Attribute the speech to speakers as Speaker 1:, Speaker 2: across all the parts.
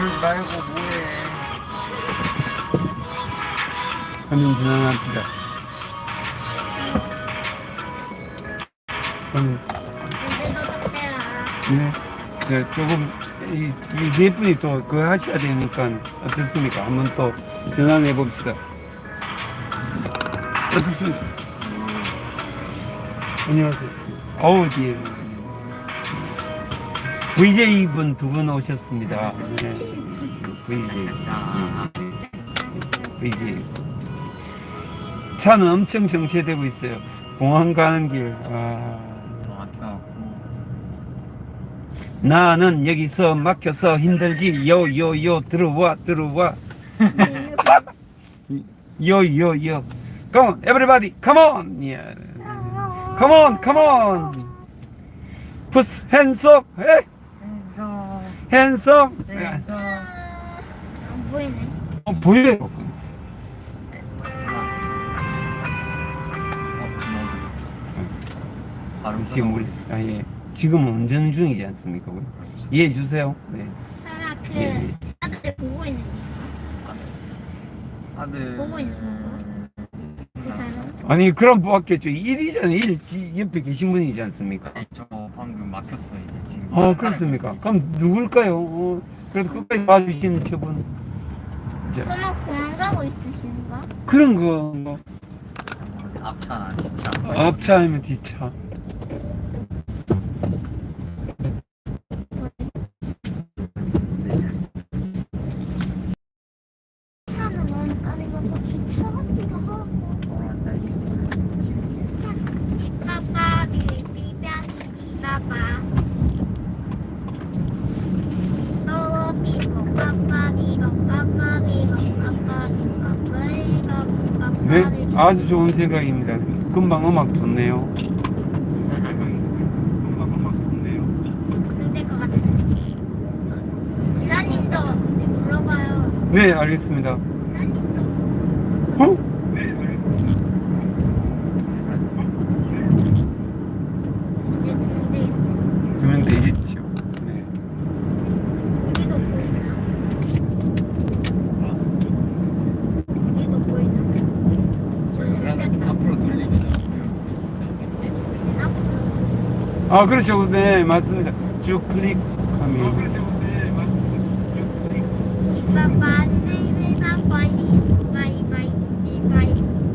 Speaker 1: 그러지 말고 뭐해.
Speaker 2: 화면 전환합시다.
Speaker 3: 문제도 답해라.
Speaker 2: 네. 네, 조금 네 분이 또 그거 하셔야 되니까 어떻습니까? 한번 또 전환해 봅시다. 어떻습니까? 안녕하세요. 어우, 뒤에 VJ 분 두 분 오셨습니다. 네. VJ. VJ. 차는 엄청 정체되고 있어요. 공항 가는 길. 나는 여기서 막혀서 힘들지. 요요요 들어와. 요요요. Come on, everybody, come on. Yeah. Come on. Put hands up. Hey. Hands up.
Speaker 3: 안 보이네.
Speaker 2: 보여요. 지금 우리 예. 지금 운전 중이지 않습니까? 이해해 주세요. 네.
Speaker 3: 설마 그
Speaker 2: 예.
Speaker 3: 아들 보고 있는
Speaker 1: 아들.
Speaker 3: 보고 있는 건가? 그 사람?
Speaker 2: 아니 그럼 뭐겠죠. 일이잖아요. 일 옆에 계신 분이지 않습니까?
Speaker 1: 저 방금 막혔어 이제 지금.
Speaker 2: 그렇습니까? 그럼 누굴까요? 그래도 끝까지 봐주시는 저분. 자,
Speaker 3: 설마 공항 가고 있으신가?
Speaker 2: 그런 거 뭐.
Speaker 1: 앞차나 진짜.
Speaker 2: 앞차 아니면 뒤차.
Speaker 3: 차는 너무 까는 것 같아. 차 같기도 하고.
Speaker 1: 돌아앉아 있어.
Speaker 3: 비빠빠 비비비비비 비빠빠. 비빠빠 비빠빠 비빠빠 비빠빠
Speaker 2: 네,
Speaker 3: 비빠빠.
Speaker 2: 아주 좋은 생각입니다. 금방 음악 좋네요. 금방 음악 좋네요.
Speaker 3: 안될 것 같아. 기사님도 눌러봐요.
Speaker 2: 네, 알겠습니다.
Speaker 3: 기사님도.
Speaker 2: 네, 알겠습니다.
Speaker 3: 이제 주는데 이렇게.
Speaker 2: 되면 되겠죠. 네.
Speaker 3: 여기도 보이나? 여기도 보이나? 저 지금
Speaker 1: 앞으로 돌리면
Speaker 2: 아, 그렇죠. 네, 맞습니다. 쭉 클릭하면. 그렇죠. 네, 맞습니다. 쭉 클릭.
Speaker 3: 이빠빠 비빠빠 비빠이.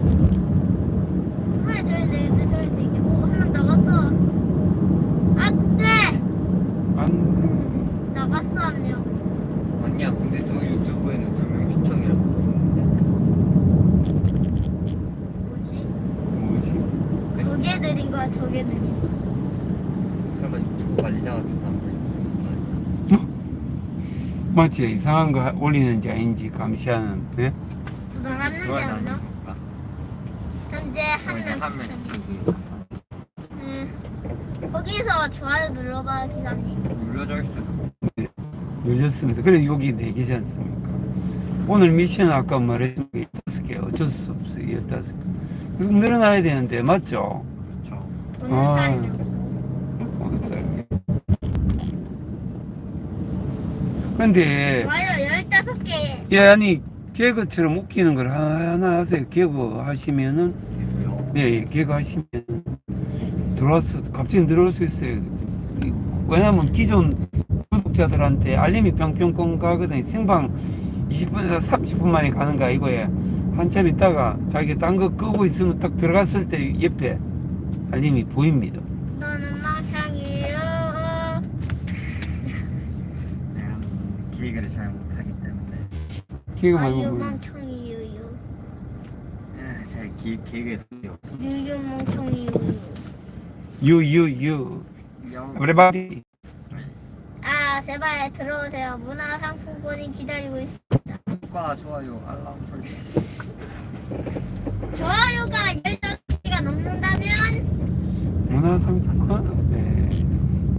Speaker 3: 왜 저기 내는데 저기 되게 한명 나갔죠? 안 돼!
Speaker 2: 안
Speaker 3: 나갔어 한 명.
Speaker 1: 아니야 근데 저 유튜브에는 2명 시청이라고
Speaker 3: 뭐지?
Speaker 2: 뭐지?
Speaker 3: 저게 느린 거야 저게 느린 거.
Speaker 1: 설마 유튜브 관리자 같은 사람들
Speaker 2: 마치 이상한 거 올리는지 아닌지 감시하는. 네?
Speaker 3: 저 나갔는데 안 나? 현재 한 명
Speaker 1: 한명
Speaker 3: 시청. 거기서 좋아요 눌러봐 기사님.
Speaker 1: 눌러져 있어서
Speaker 2: 열렸습니다. 그래 여기 4개지 않습니까? 오늘 미션 아까 말했던 게 5개 어쩔 수 없어요. 15개. 그래서 늘어나야 되는데 맞죠?
Speaker 1: 그렇죠.
Speaker 3: 오늘
Speaker 2: 아.
Speaker 3: 사람이 없어.
Speaker 2: 어느 사람이. 근데
Speaker 3: 좋아요 15개.
Speaker 2: 예, 아니 개그처럼 웃기는 걸 하나 하세요. 개그 하시면은
Speaker 1: 그리고요
Speaker 2: 네, 개그 하시면 들어와서 갑자기 늘어올 수 있어요. 왜냐면 기존 구독자들한테 알림이 뿅뿅뿅 가거든요. 생방 20분에서 30분 만에 가는 거 아니고요. 한참 있다가 자기가 딴 거 끄고 있으면 딱 들어갔을 때 옆에 알림이 보입니다.
Speaker 3: 너는 망창이에요.
Speaker 1: 내가 기획을 잘 못하기 때문에
Speaker 2: 개그
Speaker 3: 아유
Speaker 2: 말고
Speaker 3: 망창이에요.
Speaker 1: 잘 기획에 소요
Speaker 3: 유유 망창이에요.
Speaker 2: 유유유 everybody
Speaker 3: 아 제발 들어오세요. 문화상품권이 기다리고 있습니다.
Speaker 1: 구독과 좋아요 알람 설정
Speaker 3: 좋아요가 15개가 넘는다면
Speaker 2: 문화상품권 네.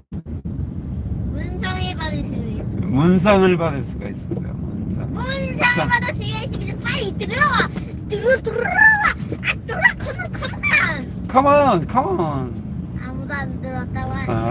Speaker 3: 문성을 받을 수 있습니다.
Speaker 2: 문상을 받을 수가 있습니다. 문상.
Speaker 3: 문성을 받을 수가 있습니다. 빨리 들어와. 들어와. 아 들어와. 컴온.
Speaker 2: Come on, come on.
Speaker 3: 아무도 안 들었다고 하니.
Speaker 2: 아.